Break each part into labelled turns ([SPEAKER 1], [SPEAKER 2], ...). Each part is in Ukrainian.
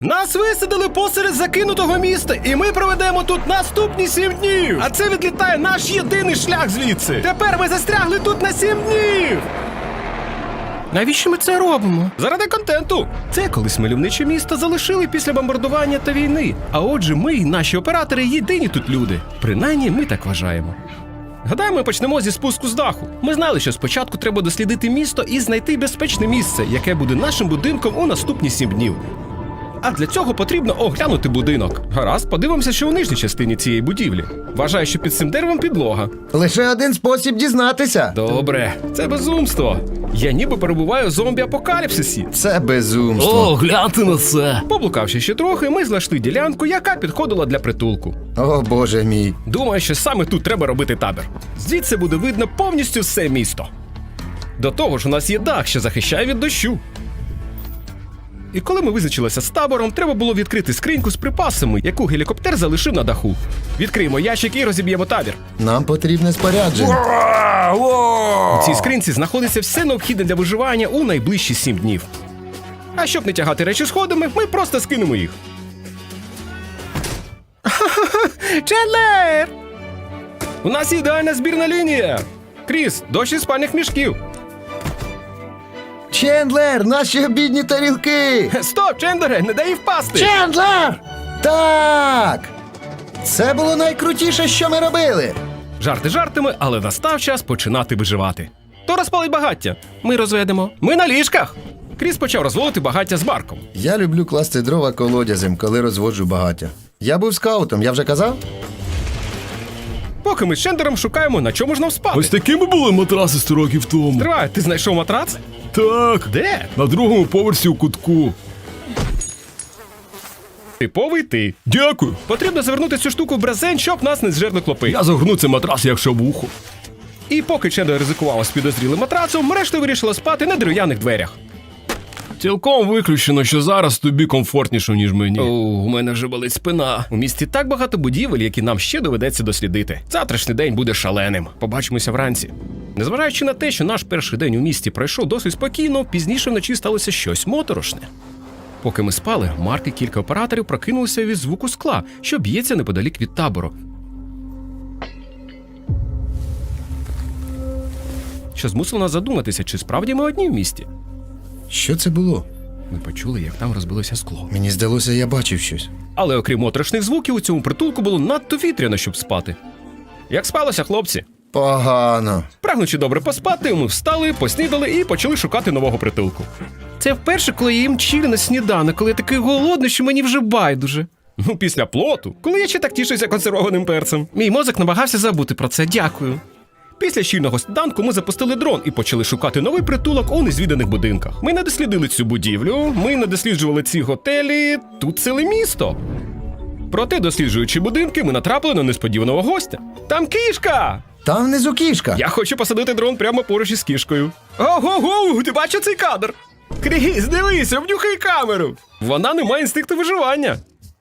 [SPEAKER 1] Нас висадили посеред закинутого міста, і ми проведемо тут наступні 7 днів. А це відлітає наш єдиний шлях звідси. Тепер ми застрягли тут на 7 днів. Навіщо ми це робимо? Заради контенту. Це колись мальовниче місто залишили після бомбардування та війни. А отже, ми і наші оператори єдині тут люди. Принаймні, ми так вважаємо. Гадаю, ми почнемо зі спуску з даху. Ми знали, що спочатку треба дослідити місто і знайти безпечне місце, яке буде нашим будинком у наступні 7 днів. А для цього потрібно оглянути будинок. Гаразд, подивимося, що у нижній частині цієї будівлі. Вважаю, що під цим деревом підлога.
[SPEAKER 2] Лише один спосіб дізнатися.
[SPEAKER 1] Добре, це безумство. Я ніби перебуваю в зомбі-апокаліпсисі.
[SPEAKER 2] Це безумство.
[SPEAKER 1] О, гляньте на це! Поблукавши ще трохи, ми знайшли ділянку, яка підходила для притулку.
[SPEAKER 2] О, Боже мій.
[SPEAKER 1] Думаю, що саме тут треба робити табір. Звідси буде видно повністю все місто. До того ж, у нас є дах, що захищає від дощу. І коли ми визначилися з табором, треба було відкрити скриньку з припасами, яку гелікоптер залишив на даху. Відкриємо ящик і розіб'ємо табір.
[SPEAKER 2] Нам потрібне спорядження.
[SPEAKER 1] У цій скринці знаходиться все необхідне для виживання у найближчі 7 днів. А щоб не тягати речі сходами, ми просто скинемо їх. Чендлер! У нас ідеальна збірна лінія! Кріс, дощ із спальних мішків.
[SPEAKER 2] Чендлер, наші обідні тарілки!
[SPEAKER 1] Стоп, Чендлере, не дай їй впасти!
[SPEAKER 2] Чендлер! Так! Це було найкрутіше, що ми робили.
[SPEAKER 1] Жарти жартами, але настав час починати виживати. То розпалить багаття. Ми розведемо. Ми на ліжках! Кріс почав розводити багаття з Марком.
[SPEAKER 2] Я люблю класти дрова колодязем, коли розводжу багаття. Я був скаутом, я вже казав?
[SPEAKER 1] Поки ми з Чендлером шукаємо, на чому ж нам спати.
[SPEAKER 3] Ось такими були матраси 100 років тому.
[SPEAKER 1] Тривай, ти знайшов матрац?
[SPEAKER 3] Так.
[SPEAKER 1] Де?
[SPEAKER 3] На другому поверсі у кутку.
[SPEAKER 1] Типовий ти.
[SPEAKER 3] Дякую.
[SPEAKER 1] Потрібно завернути цю штуку в брезент, щоб нас не зжерли клопи.
[SPEAKER 3] Я загорну цей матрас як шавуху.
[SPEAKER 1] І поки Чендлер ризикував з підозрілим матрацом, решта вирішила спати на дерев'яних дверях.
[SPEAKER 3] Цілком виключено, що зараз тобі комфортніше, ніж мені.
[SPEAKER 1] У мене вже болить спина. У місті так багато будівель, які нам ще доведеться дослідити. Завтрашній день буде шаленим. Побачимося вранці. Незважаючи на те, що наш перший день у місті пройшов досить спокійно, пізніше вночі сталося щось моторошне. Поки ми спали, Марк і кілька операторів прокинулися від звуку скла, що б'ється неподалік від табору. Що змусило нас задуматися, чи справді ми одні в місті.
[SPEAKER 2] Що це було?
[SPEAKER 1] Ми почули, як там розбилося скло.
[SPEAKER 2] Мені здалося, я бачив щось.
[SPEAKER 1] Але окрім моторошних звуків, у цьому притулку було надто вітряно, щоб спати. Як спалося, хлопці?
[SPEAKER 2] Погано.
[SPEAKER 1] Прагнучи добре поспати, ми встали, поснідали і почали шукати нового притулку. Це вперше, коли я їм чилі на сніданок, коли я такий голодний, що мені вже байдуже. Ну, після плоту, коли я ще так тішуся консервованим перцем. Мій мозок намагався забути про це, дякую. Після щільного сніданку ми запустили дрон і почали шукати новий притулок у незвіданих будинках. Ми не дослідили цю будівлю, ми не досліджували ці готелі, тут ціле місто. Проте, досліджуючи будинки, ми натрапили на несподіваного гостя. Там кішка!
[SPEAKER 2] Там внизу кішка.
[SPEAKER 1] Я хочу посадити дрон прямо поруч із кішкою. Ого-го, ти бачив цей кадр? Кріс, дивись, обнюхай камеру. Вона не має інстинкту виживання.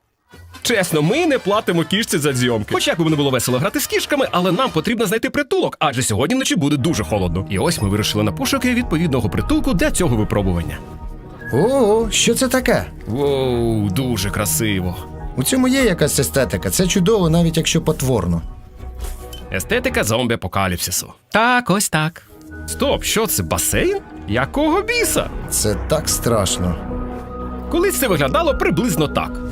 [SPEAKER 1] Чесно, ми не платимо кішці за зйомки. Хоч як би не було весело грати з кішками, але нам потрібно знайти притулок, адже сьогодні вночі буде дуже холодно. І ось ми вирішили на пошуки відповідного притулку для цього випробування.
[SPEAKER 2] О, що це таке?
[SPEAKER 1] Воу, дуже красиво.
[SPEAKER 2] У цьому є якась естетика. Це чудово, навіть якщо потворно.
[SPEAKER 1] Естетика зомбі-апокаліпсису. Так, ось так. Стоп, що це, басейн? Якого біса?
[SPEAKER 2] Це так страшно.
[SPEAKER 1] Колись це виглядало приблизно так.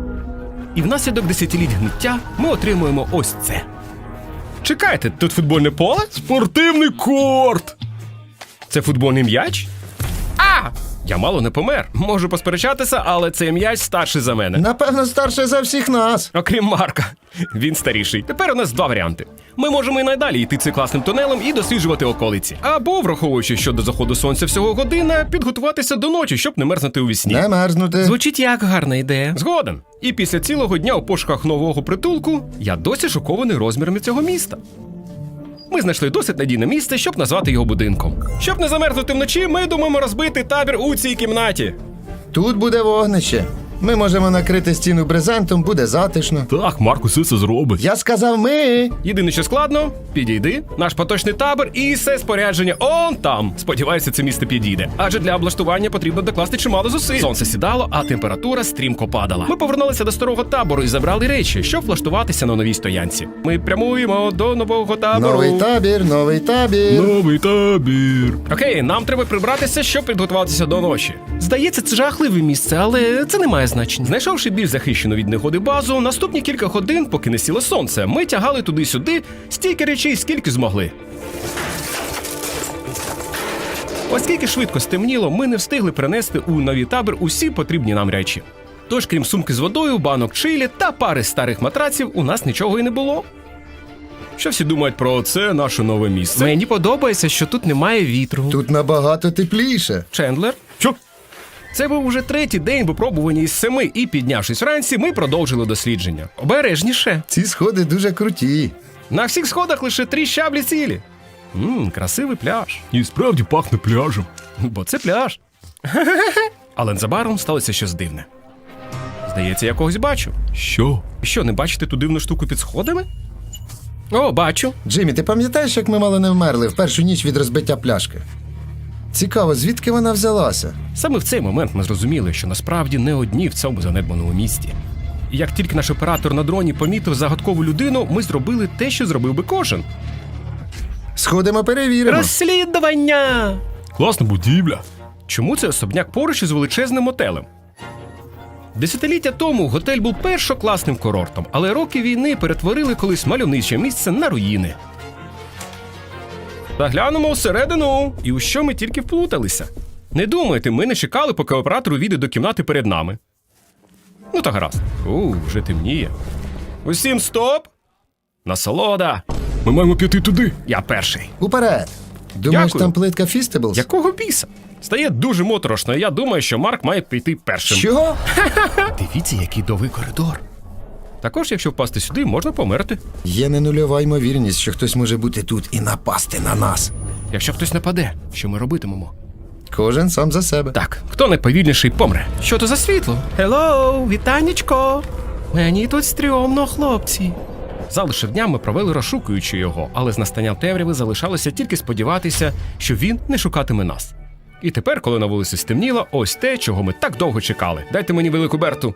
[SPEAKER 1] І внаслідок десятиліть гниття ми отримуємо ось це. Чекайте, тут футбольне поле?
[SPEAKER 3] Спортивний корт!
[SPEAKER 1] Це футбольний м'яч? А! Я мало не помер. Можу посперечатися, але цей м'яч старший за мене.
[SPEAKER 2] Напевно, старше за всіх нас.
[SPEAKER 1] Окрім Марка. Він старіший. Тепер у нас два варіанти. Ми можемо і надалі йти цим класним тунелем і досліджувати околиці. Або, враховуючи, що до заходу сонця всього година, підготуватися до ночі, щоб не мерзнути у вісні.
[SPEAKER 2] Не мерзнути.
[SPEAKER 1] Звучить як гарна ідея. Згоден. І після цілого дня у пошуках нового притулку я досі шокований розмірами цього міста. Ми знайшли досить надійне місце, щоб назвати його будинком. Щоб не замерзнути вночі, ми думаємо розбити табір у цій кімнаті.
[SPEAKER 2] Тут буде вогнище. Ми можемо накрити стіну брезентом, буде затишно.
[SPEAKER 3] Так, Марк усе це зробить.
[SPEAKER 2] Я сказав ми.
[SPEAKER 1] Єдине, що складно, підійди, наш поточний табор і все спорядження он там. Сподіваюся, це місце підійде. Адже для облаштування потрібно докласти чимало зусиль. Сонце сідало, а температура стрімко падала. Ми повернулися до старого табору і забрали речі, щоб влаштуватися на новій стоянці. Ми прямуємо до нового табору.
[SPEAKER 2] Новий табір, новий табір.
[SPEAKER 3] Новий табір.
[SPEAKER 1] Окей, нам треба прибратися, щоб підготуватися до ночі. Здається, це жахливе місце, але це не має значення. Знайшовши більш захищену від негоди базу, наступні кілька годин, поки не сіло сонце, ми тягали туди-сюди стільки речей, скільки змогли. Оскільки швидко стемніло, ми не встигли принести у новий табір усі потрібні нам речі. Тож, крім сумки з водою, банок чилі та пари старих матраців, у нас нічого і не було. Що всі думають про це наше нове місце? Мені подобається, що тут немає вітру.
[SPEAKER 2] Тут набагато тепліше.
[SPEAKER 1] Чендлер? Що? Це був уже третій день випробування із 7, і піднявшись вранці, ми продовжили дослідження. Обережніше.
[SPEAKER 2] Ці сходи дуже круті.
[SPEAKER 1] На всіх сходах лише 3 щаблі цілі. Красивий пляж.
[SPEAKER 3] І справді пахне пляжем.
[SPEAKER 1] Бо це пляж. Але незабаром сталося щось дивне. Здається, я когось бачу.
[SPEAKER 3] Що?
[SPEAKER 1] Що, не бачите ту дивну штуку під сходами? О, бачу.
[SPEAKER 2] Джиммі, ти пам'ятаєш, як ми мало не вмерли в першу ніч від розбиття пляшки? Цікаво, звідки вона взялася?
[SPEAKER 1] Саме в цей момент ми зрозуміли, що насправді не одні в цьому занедбаному місті. І як тільки наш оператор на дроні помітив загадкову людину, ми зробили те, що зробив би кожен.
[SPEAKER 2] Сходимо, перевіримо.
[SPEAKER 1] Розслідування!
[SPEAKER 3] Класна будівля.
[SPEAKER 1] Чому це особняк поруч із величезним мотелем? Десятиліття тому готель був першокласним курортом, але роки війни перетворили колись мальовниче місце на руїни. Заглянемо всередину, і у що ми тільки вплуталися. Не думайте, ми не чекали, поки оператор увійде до кімнати перед нами. Ну та гаразд. Вже темніє. Усім стоп! Насолода!
[SPEAKER 3] Ми маємо піти туди.
[SPEAKER 1] Я перший.
[SPEAKER 2] Уперед. Думаєш,
[SPEAKER 1] Дякую.
[SPEAKER 2] там плитка Фістеблс?
[SPEAKER 1] Якого біса? Стає дуже моторошно, і я думаю, що Марк має піти першим.
[SPEAKER 2] Що?
[SPEAKER 1] Дивіться, який довгий коридор. Також, якщо впасти сюди, можна померти.
[SPEAKER 2] Є не нульова ймовірність, що хтось може бути тут і напасти на нас.
[SPEAKER 1] Якщо хтось нападе, що ми робитимемо?
[SPEAKER 2] Кожен сам за себе.
[SPEAKER 1] Так, хто найповільніший помре. Що то за світло? Хеллоу, вітанечко. Мені тут стрьомно, хлопці. Залишив дня ми провели розшукуючи його, але з настанням темряви залишалося тільки сподіватися, що він не шукатиме нас. І тепер, коли на вулиці стемніло, ось те, чого ми так довго чекали. Дайте мені велику Берту.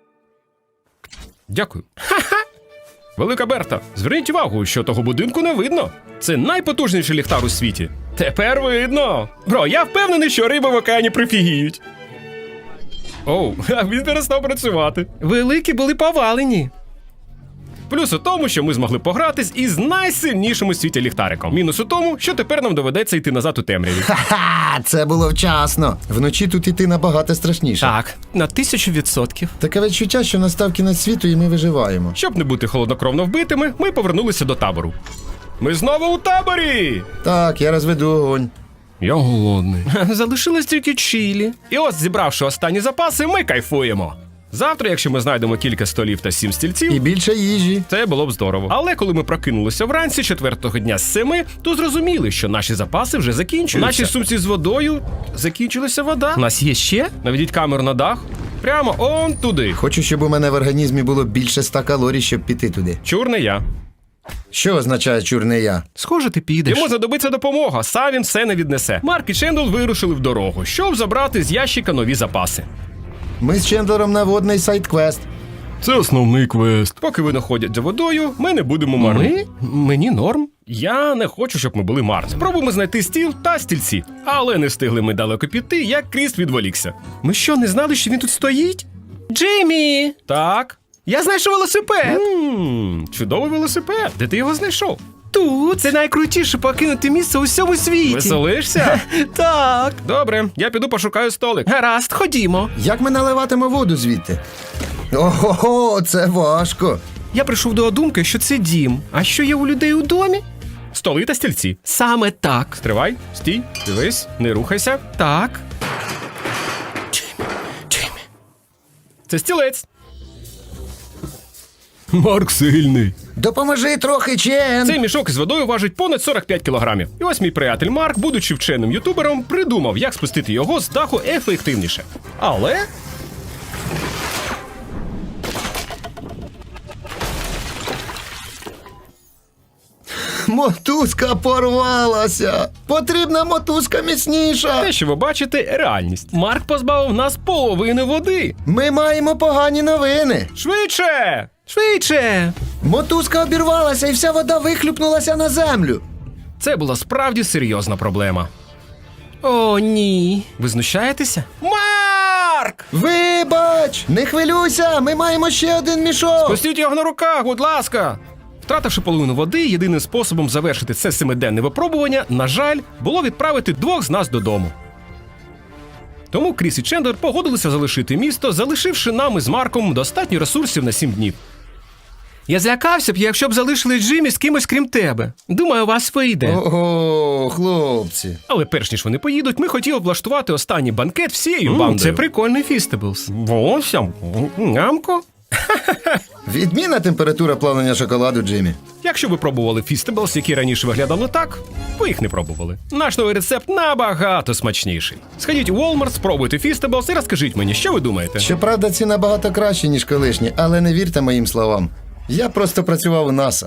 [SPEAKER 1] Дякую. Ха-ха! Велика Берта, зверніть увагу, що того будинку не видно. Це найпотужніший ліхтар у світі. Тепер видно. Бро, я впевнений, що риби в океані прифігіють. Оу, він перестав працювати. Великі були повалені. Плюс у тому, що ми змогли погратись із найсильнішим у світі ліхтариком. Мінус у тому, що тепер нам доведеться йти назад у темряві.
[SPEAKER 2] Ха-ха, це було вчасно. Вночі тут іти набагато страшніше.
[SPEAKER 1] Так, на 1000%.
[SPEAKER 2] Таке відчуття, що настав кінець світу і ми виживаємо.
[SPEAKER 1] Щоб не бути холоднокровно вбитими, ми повернулися до табору. Ми знову у таборі!
[SPEAKER 2] Так, я розведу огонь.
[SPEAKER 3] Я голодний.
[SPEAKER 1] Залишилось тільки чилі. І ось, зібравши останні запаси, ми кайфуємо. Завтра, якщо ми знайдемо кілька столів та 7 стільців,
[SPEAKER 2] І більше їжі.
[SPEAKER 1] це було б здорово. Але коли ми прокинулися вранці 4-го дня з 7, то зрозуміли, що наші запаси вже закінчуються. У нашій сумці з водою закінчилася вода. У нас є ще? Наведіть камеру на дах. Прямо он туди.
[SPEAKER 2] Хочу, щоб у мене в організмі було більше 100 калорій, щоб піти туди.
[SPEAKER 1] Чур не я.
[SPEAKER 2] Що означає чурний я?
[SPEAKER 1] Схоже, ти підеш. Йому знадобиться допомога, сам він все не віднесе. Марк і Чендл вирушили в дорогу, щоб забрати з ящика нові запаси.
[SPEAKER 2] Ми з Чендлером на водний сайт-квест.
[SPEAKER 3] Це основний квест.
[SPEAKER 1] Поки вони ходять за водою, ми не будемо марними. Мені норм. Я не хочу, щоб ми були марними. Спробуємо знайти стіл та стільці. Але не встигли ми далеко піти, як Кріс відволікся. Ми що, не знали, що він тут стоїть? Джиммі! Так. Я знайшов велосипед. Чудовий велосипед. Де ти його знайшов? Тут. Це найкрутіше покинути місце у всьому світі. Веселишся? Так. Добре, я піду пошукаю столик. Гаразд, ходімо.
[SPEAKER 2] Як ми наливатимо воду звідти? Ого, це важко.
[SPEAKER 1] Я прийшов до думки, що це дім. А що є у людей у домі? Столи та стільці. Саме так. Стривай, стій, дивись, не рухайся. Так. Джиммі. Це стілець.
[SPEAKER 3] Марк сильний.
[SPEAKER 2] Допоможи трохи, Чен.
[SPEAKER 1] Цей мішок із водою важить понад 45 кілограмів. І ось мій приятель Марк, будучи вченим ютубером, придумав, як спустити його з даху ефективніше. Але
[SPEAKER 2] Мотузка порвалася! Потрібна мотузка міцніша!
[SPEAKER 1] Те, що ви бачите, реальність. Марк позбавив нас половини води.
[SPEAKER 2] Ми маємо погані новини!
[SPEAKER 1] Швидше! Швидше!
[SPEAKER 2] Мотузка обірвалася і вся вода вихлюпнулася на землю!
[SPEAKER 1] Це була справді серйозна проблема. О, ні. Ви знущаєтеся? Марк!
[SPEAKER 2] Вибач! Не хвилюйся! Ми маємо ще один мішок!
[SPEAKER 1] Пустіть його на руках, будь ласка! Втративши половину води, єдиним способом завершити це 7-денне випробування, на жаль, було відправити 2 з нас додому. Тому Кріс і Чендлер погодилися залишити місто, залишивши нам із Марком достатньо ресурсів на 7 днів. Я злякався б, якщо б залишили Джиммі з кимось крім тебе. Думаю, у вас вийде.
[SPEAKER 2] Ого, хлопці!
[SPEAKER 1] Але перш ніж вони поїдуть, ми хотіли влаштувати останній банкет всією бандою. Це прикольний фістеблс. Волосся, нямко.
[SPEAKER 2] Відмінна температура плавлення шоколаду, Джиммі.
[SPEAKER 1] Якщо ви пробували фістеблс, які раніше виглядали так, ви їх не пробували. Наш новий рецепт набагато смачніший. Сходіть у Walmart, спробуйте фістеблс і розкажіть мені, що ви думаєте.
[SPEAKER 2] Щоправда, ці набагато кращі, ніж колишні, але не вірте моїм словам. Я просто працював у НАСА.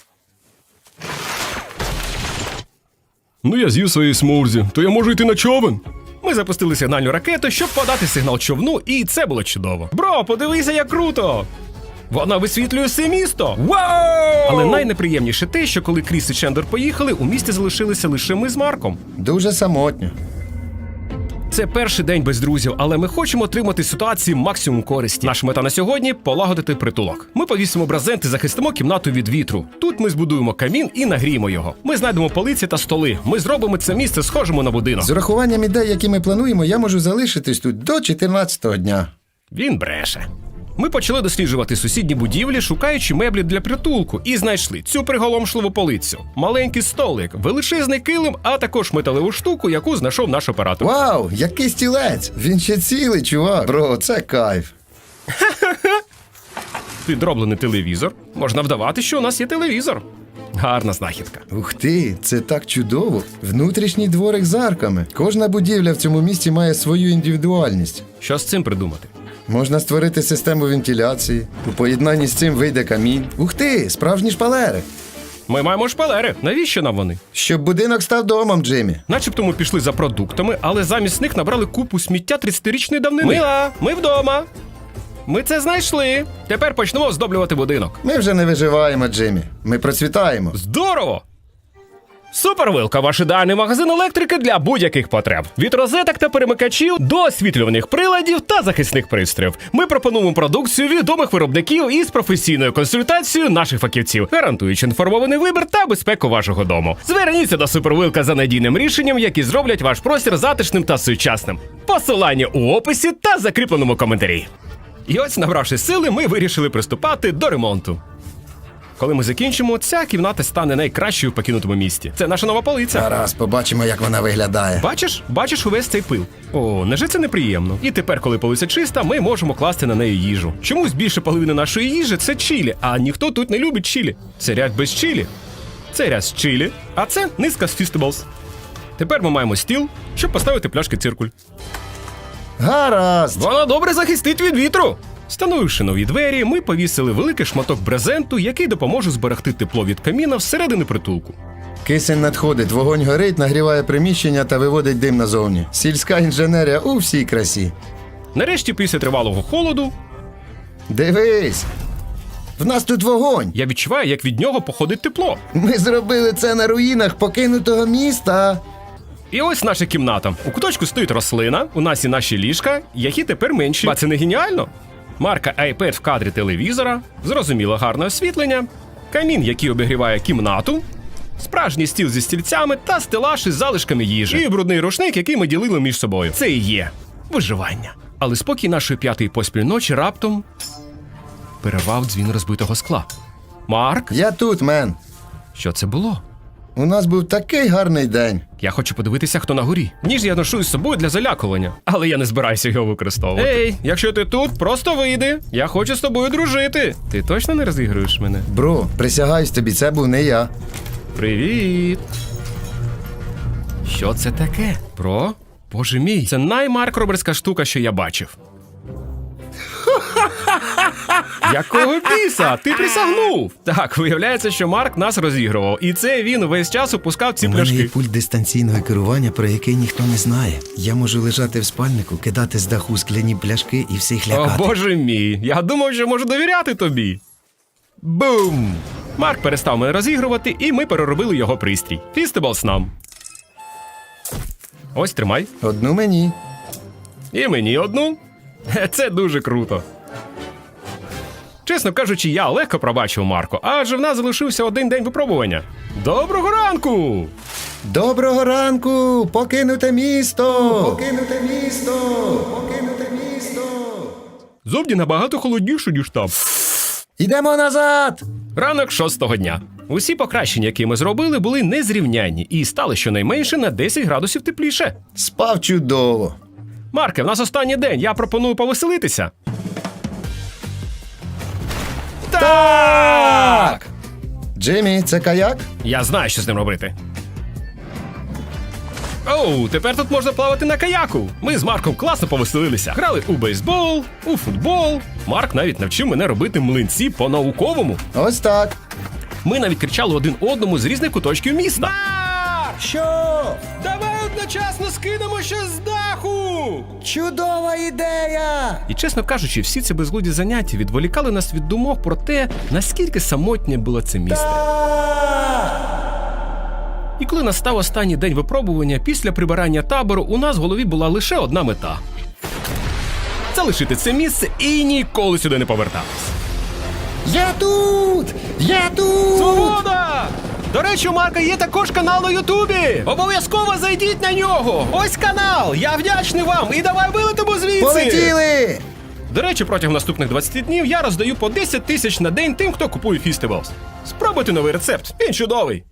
[SPEAKER 3] Ну я з'їв своєї смурзі, то я можу йти на човен.
[SPEAKER 1] Ми запустили сигнальну ракету, щоб подати сигнал човну, і це було чудово. Бро, подивися, як круто! Вона висвітлює все місто! Вау! Але найнеприємніше те, що коли Кріс і Чендлер поїхали, у місті залишилися лише ми з Марком.
[SPEAKER 2] Дуже самотньо.
[SPEAKER 1] Це перший день без друзів, але ми хочемо отримати з ситуації максимум користі. Наша мета на сьогодні – полагодити притулок. Ми повісимо брезент і захистимо кімнату від вітру. Тут ми збудуємо камін і нагріємо його. Ми знайдемо полиці та столи. Ми зробимо це місце схожим на будинок.
[SPEAKER 2] З урахуванням ідей, які ми плануємо, я можу залишитись тут до 14-го дня.
[SPEAKER 1] Він бреше. Ми почали досліджувати сусідні будівлі, шукаючи меблі для притулку, і знайшли цю приголомшливу полицю, маленький столик, величезний килим, а також металеву штуку, яку знайшов наш оператор.
[SPEAKER 2] Вау, який стілець! Він ще цілий, чувак. Бро, це кайф.
[SPEAKER 1] Підроблений телевізор. Можна вдавати, що у нас є телевізор. Гарна знахідка.
[SPEAKER 2] Ух ти, це так чудово. Внутрішній дворик з арками. Кожна будівля в цьому місті має свою індивідуальність.
[SPEAKER 1] Що з цим придумати?
[SPEAKER 2] Можна створити систему вентиляції. У поєднанні з цим вийде камінь. Ух ти, справжні шпалери.
[SPEAKER 1] Ми маємо шпалери. Навіщо нам вони?
[SPEAKER 2] Щоб будинок став домом, Джиммі.
[SPEAKER 1] Начебто ми пішли за продуктами, але замість них набрали купу сміття 30-річної давнини. Мила, ми вдома. Ми це знайшли. Тепер почнемо оздоблювати будинок.
[SPEAKER 2] Ми вже не виживаємо, Джиммі. Ми процвітаємо.
[SPEAKER 1] Здорово! Супервилка – ваш ідеальний магазин електрики для будь-яких потреб. Від розеток та перемикачів до освітлюваних приладів та захисних пристроїв. Ми пропонуємо продукцію відомих виробників із професійною консультацією наших фахівців, гарантуючи інформований вибір та безпеку вашого дому. Зверніться до Супервилка за надійним рішенням, які зроблять ваш простір затишним та сучасним. Посилання у описі та закріпленому коментарі. І ось, набравши сили, ми вирішили приступати до ремонту. Коли ми закінчимо, ця кімната стане найкращою в покинутому місті. Це наша нова полиця.
[SPEAKER 2] Зараз побачимо, як вона виглядає.
[SPEAKER 1] Бачиш увесь цей пил? О, невже це неприємно? І тепер, коли полиця чиста, ми можемо класти на неї їжу. Чомусь більше половини нашої їжі – це чилі, а ніхто тут не любить чилі. Це ряд без чилі. Це ряд з чилі, а це низка з фістеблс. Тепер ми маємо стіл, щоб поставити пляшки циркуль.
[SPEAKER 2] Гаразд!
[SPEAKER 1] Вона добре захистить від вітру. Встановивши нові двері, ми повісили великий шматок брезенту, який допоможе зберегти тепло від каміна всередині притулку.
[SPEAKER 2] Кисень надходить, вогонь горить, нагріває приміщення та виводить дим назовні. Сільська інженерія у всій красі.
[SPEAKER 1] Нарешті, після тривалого холоду,
[SPEAKER 2] Дивись! В нас тут вогонь!
[SPEAKER 1] я відчуваю, як від нього походить тепло.
[SPEAKER 2] Ми зробили це на руїнах покинутого міста.
[SPEAKER 1] І ось наша кімната. У куточку стоїть рослина, у нас і наші ліжка, які тепер менші. А це не геніально? Марка iPad в кадрі телевізора, зрозуміло гарне освітлення, камін, який обігріває кімнату, справжній стіл зі стільцями та стелаж із залишками їжі. І брудний рушник, який ми ділили між собою. Це і є виживання. Але спокій нашої п'ятої поспіль ночі раптом перервав дзвін розбитого скла. Марк?
[SPEAKER 2] Я тут, мен.
[SPEAKER 1] Що це було?
[SPEAKER 2] У нас був такий гарний день.
[SPEAKER 1] Я хочу подивитися, хто на горі. Ніж я ношу із собою для залякування, але я не збираюся його використовувати. Ей, якщо ти тут, просто вийди. Я хочу з тобою дружити. Ти точно не розігруєш мене?
[SPEAKER 2] Бро, присягаюсь тобі, це був не я.
[SPEAKER 1] Привіт. Що це таке? Бро? Боже мій, це наймаркроберська штука, що я бачив.
[SPEAKER 3] Якого біса? Ти присягнув! Так, виявляється, що Марк нас розігрував. І це він весь час опускав ці
[SPEAKER 2] У мене є
[SPEAKER 3] пляшки.
[SPEAKER 2] пульт дистанційного керування, про який ніхто не знає. Я можу лежати в спальнику, кидати з даху скляні пляшки і всіх
[SPEAKER 3] О,
[SPEAKER 2] лякати.
[SPEAKER 3] боже мій, я думав, що можу довіряти тобі. Бум! Марк перестав мене розігрувати, і ми переробили його пристрій. Фістеблс нам. Ось, тримай.
[SPEAKER 2] Одну мені.
[SPEAKER 3] І мені одну. Це дуже круто. Чесно кажучи, я легко пробачив Марко, адже в нас залишився один день випробування. Доброго ранку!
[SPEAKER 2] Доброго ранку! Покинуте місто! Покинуте місто! Покинуте місто!
[SPEAKER 3] Зовні набагато холодніше, ніж там.
[SPEAKER 2] Ідемо назад!
[SPEAKER 3] Ранок 6-го дня. Усі покращення, які ми зробили, були незрівнянні і стали щонайменше на 10 градусів тепліше.
[SPEAKER 2] Спав чудово.
[SPEAKER 3] Марке, в нас останній день, я пропоную повеселитися. Так!
[SPEAKER 2] Джиммі, це каяк?
[SPEAKER 3] Я знаю, що з ним робити. Оу, тепер тут можна плавати на каяку. Ми з Марком класно повеселилися. Грали у бейсбол, у футбол. Марк навіть навчив мене робити млинці по-науковому.
[SPEAKER 2] Ось так.
[SPEAKER 3] Ми навіть кричали один одному з різних куточків міста.
[SPEAKER 2] Що?
[SPEAKER 1] Давай одночасно скинемо щось з даху!
[SPEAKER 2] Чудова ідея!
[SPEAKER 3] І, чесно кажучи, всі ці безглуді заняття відволікали нас від думок про те, наскільки самотнє було це місто. І коли настав останній день випробування, після прибирання табору у нас в голові була лише одна мета – залишити це місце і ніколи сюди не повертатись.
[SPEAKER 2] Я тут! Я тут!
[SPEAKER 1] Свобода! До речі, у Марка є також канал на Ютубі. Обов'язково зайдіть на нього. Ось канал. Я вдячний вам. І давай вилетимо звідси.
[SPEAKER 2] Полетіли!
[SPEAKER 3] До речі, протягом наступних 20 днів я роздаю по 10 тисяч на день тим, хто купує Фістеблс. Спробуйте новий рецепт, він чудовий.